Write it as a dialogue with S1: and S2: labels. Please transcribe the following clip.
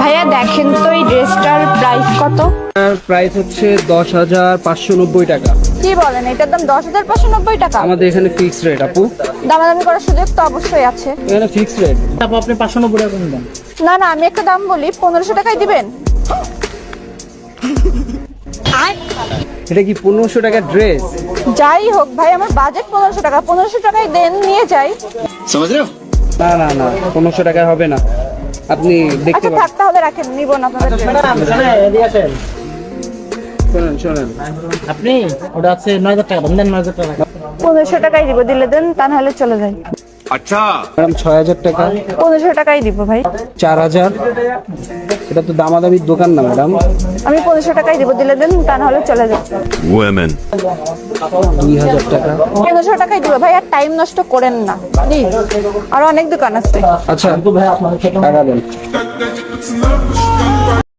S1: ভাইয়া দেখেন তো এই ড্রেসটার প্রাইস কত?
S2: প্রাইস হচ্ছে 10,590 টাকা।
S1: কি বলেন, এটার দাম 10,590 টাকা?
S2: আমাদের এখানে ফিক্সড রেট আপু।
S1: দামাদামি করার সুযোগ তো অবশ্যই আছে।
S2: এখানে ফিক্সড রেট।
S3: আপু আপনি 590 টাকা করে দেন।
S1: না না, আমি একটা দাম বলি, 1500 টাকায় দিবেন?
S2: এটা কি 1500 টাকার ড্রেস?
S1: যাই হোক ভাই, আমার বাজেট 1500 টাকা, 1500 টাকায় দেন, নিয়ে যাই।
S2: না না না, 1500 টাকা হবে না। আপনি দেখতে
S1: আচ্ছা
S2: পারেন।
S1: থাক, তাহলে রাখেন, নিব না আপনাদের dress।
S2: শোনেন শোনেন,
S3: আপনি ওটা আছে 9000 টাকা দেন, 9000 টাকা।
S1: 1500 টাকাই দিব, দিলে দেন, তা নাহলে চলে যাই।
S2: ম্যাডাম 6000 টাকা।
S1: 1500 টাকাই দিব ভাই।
S2: 4000। এটা তো দামাদামির দোকান না ম্যাডাম।
S1: আমি 1500 টাকাই দিব, দিলে দেন, তা নাহলে চলে যাই।
S4: Women.
S2: 2000 টাকা।
S1: 1500 টাকাই দিব ভাই, আর টাইম নষ্ট করেন না প্লিজ, আর অনেক দোকান আছে।
S2: আচ্ছা
S3: ভাই আপনার
S2: টাকা দেন।